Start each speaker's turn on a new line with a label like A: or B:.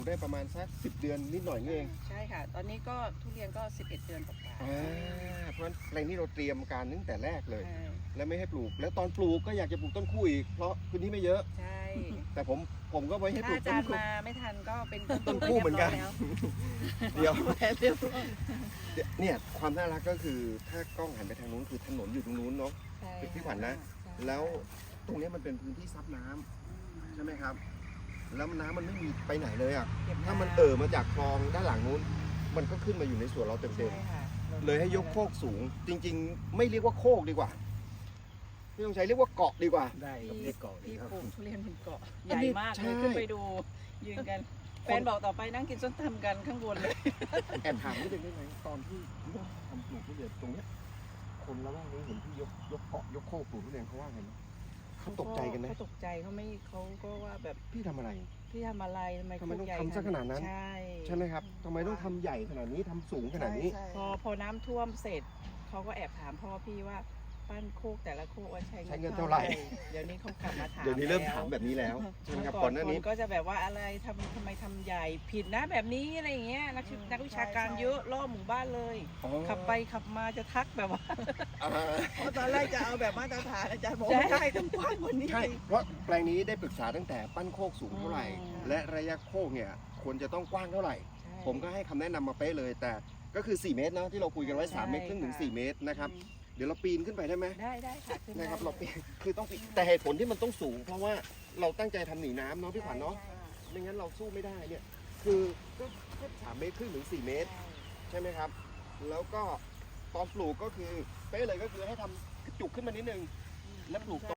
A: ได้ประมาณสัก10 เดือนนิดหน่อยนี่เอง
B: ใช่ค่ะ ตอนนี้ก็ทุเรียนก็11 เดือนกว่า
A: เพราะฉะนั้นแปลงนี้เราเตรียมการตั้งแต่แรกเลย
B: ใช่
A: และไม่ให้ปลูก แล้วตอนปลูกก็อยากจะปลูกต้นคู่อีกเพราะพื้นที่ไม่เยอะ
B: ใช่
A: แต่ผมก็ไว้ให้ป
B: ถ้า
A: ลูก
B: อา
A: ต้
B: จาน รย์
A: คู่
B: มาไม่ทันก็เป็น
A: ต้นคู่เหมือนกัน เดี๋ยว
B: เรียบร้อย
A: เนี่ยความน่ารักก็คือถ้ากล้องหันไปทางนู้นคือถนนอยู่ตรงนู้นเนาะ
B: ใช่
A: พี่ขวัญนะ
B: ใช่
A: แล้วตรงเนี้ยมันเป็นพื้นที่ซับน้ำใช่ไหมครับ แล้วน้ำมันไม่มีไปไหนเลยอ่ะ
B: ก็บ
A: ถ้ามันมาจากคลองด้านหลังนู้น มันก็ขึ้นมาอยู่ในสวนเราเต็ม
B: ใช่ค่ะ
A: ๆเลยให้ยกโคกสูง จริง ๆ ไม่เรียกว่าโคกดีกว่าไม่ต้องใช้เรียกว่าเกาะดีกว่า
C: ได้ครับ
B: พี่
C: เรียกเกาะดี
B: พี่
C: ครับ
B: ปลูกทุเรียนบนเกาะ
A: อั
B: ให
A: น
B: ญ่
A: นี้
B: มาก
A: ใช่
B: เลยขึ้นไปดูยืนกันแฟนบอกต่อไปนั่งกินส้มตำกันข้างบนเลย
A: แอบถามนิดนึงได้ไหมตอนที่เริ่มทำปลูกทุเรียนตรงเนี้ยคนละแวกนี้เห็นพี่ยกเกาะยกโคกปลูกทุเรียนเขาว่าไงนะเขาตกใจกันไหม
B: เขาตกใจเขาก็ว่าแบบ
A: พี่ทำอะไร
B: พี่ทำอะไรทำไม
A: ทำไมต้อง
B: โคกใหญ่
A: ทำซะขนาดนั้น
B: ใช่
A: ใช่ไหมครับทำไมต้องทำใหญ่ขนาดนี้ทำสูงขนาดนี้
B: ใช่พอน้ำท่วมเสร็จเขาก็แอบถามพ่อพี่ว่าปั้นโคกแต่ละโคกว่าใช้
A: ใช้เงินเท่าไหร่
B: เดี๋ยวนี้เขากลับมาถาม
A: เดี๋ยวนี้เริ่มถามแบบนี้แล้วใช่ไหมครับก่อนหน้านี้
B: คก็จะแบบว่าอะไรทำไมทำใหญ่ผิดนะแบบนี้อะไรอย่างเงี้ยนักวิชาการเยอะรอบหมู่บ้านเลย ขับไปขับมาจะทักแบบว่า
D: เพราะตอนแรกจะเอาแบบมาตรฐานอาจารย์บอก
B: ใช่
D: ไม่ได้ต้องกว้างกว่านี้
A: ใช่ เพราะแปลงนี้ได้ปรึกษาตั้งแต่ปั้นโคกสูงเท่าไหร่
B: อืม
A: และระยะโคกเนี่ยควรจะต้องกว้างเท่าไหร่
B: ใช่
A: ผมก็ให้คำแนะนำมาเป๊ะเลย แต่ก็คือ 4 เมตรนะที่เราคุยกันไว้
B: ใช่
A: 3 เมตรครึ่งถึง
B: ค่ะ
A: 4 เมตรนะครับ เดี๋ยวเราปีนขึ้นไปได้ไหม
B: ได้ค่ะขึ้น
A: นะครับ
B: ได้
A: เราปีนคือต้องปีนแต่เหตุผลที่มันต้องสูง เพราะว่าเราตั้งใจทำหนีน้ำเนาะพี่ขวัญเนาะ ไม่งั้นเราสู้ไม่ได้เนี่ย คือก็3 เมตรครึ่งถึง 4 เมตร ใช่ไหมครับ แล้วก็ตอนปลูกก็คือเป๊ะเลยก็คือให้ทำกระจุกขึ้นมานิดนึง แล้วปลูก